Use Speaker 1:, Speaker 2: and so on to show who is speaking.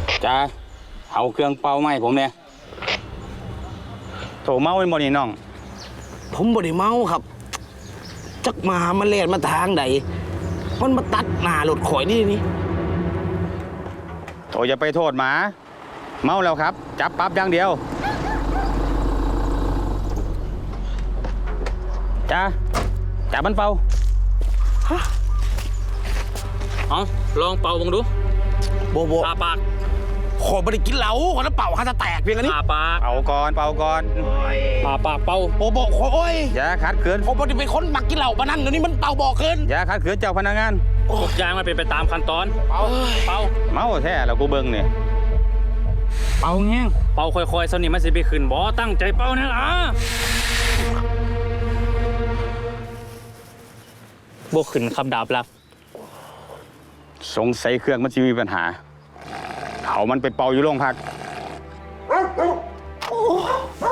Speaker 1: จ้าเอาเครื่องเป่าไหมผมเนี่ยโถเมาเป็นบ่นี่น้อง
Speaker 2: ผมบ่ได้เมาครับจักมาเล่นมาทางใดมันมาตัดหน้ารถข่อยนี่
Speaker 1: โถอย่าไปโทษหมาเมาแล้วครับจับปั๊บอย่างเดียวจ้าจับมันเป่าเอาลองเป่าบังดู
Speaker 2: โบ
Speaker 1: ปาปาก
Speaker 2: ขอบ่ได้กินเหล้าขอน้ำเป่าข้าจะแตกเพียงอันนี้
Speaker 1: ปาปากเป่าก่อนปาปากเป่า
Speaker 2: โบขอโอ้ย
Speaker 1: อย่าขัดขืน
Speaker 2: ผมบ่ได้เป็นคนมักกินเหล้าปะนั่นเดี๋ยวนี้มันเป่าบอกเกิน
Speaker 1: อย่าขัดขืนเจ้าพนักงาน
Speaker 3: ทุกอย่างมันเป็นไปตามขั้นตอนเป่า
Speaker 1: เมาแท้แล้วกูเบิ่งเนี่ยเป่าแง่ง
Speaker 3: เป่าค่อยๆสนิมมันสิไปขึ้นบ่ตั้งใจเป่านั่นล่ะบ่ขึ้นคำดาบลัก
Speaker 1: สงสัยเครื่องมันจะมีปัญหาเขามันไปเป่าอยู่โรงพัก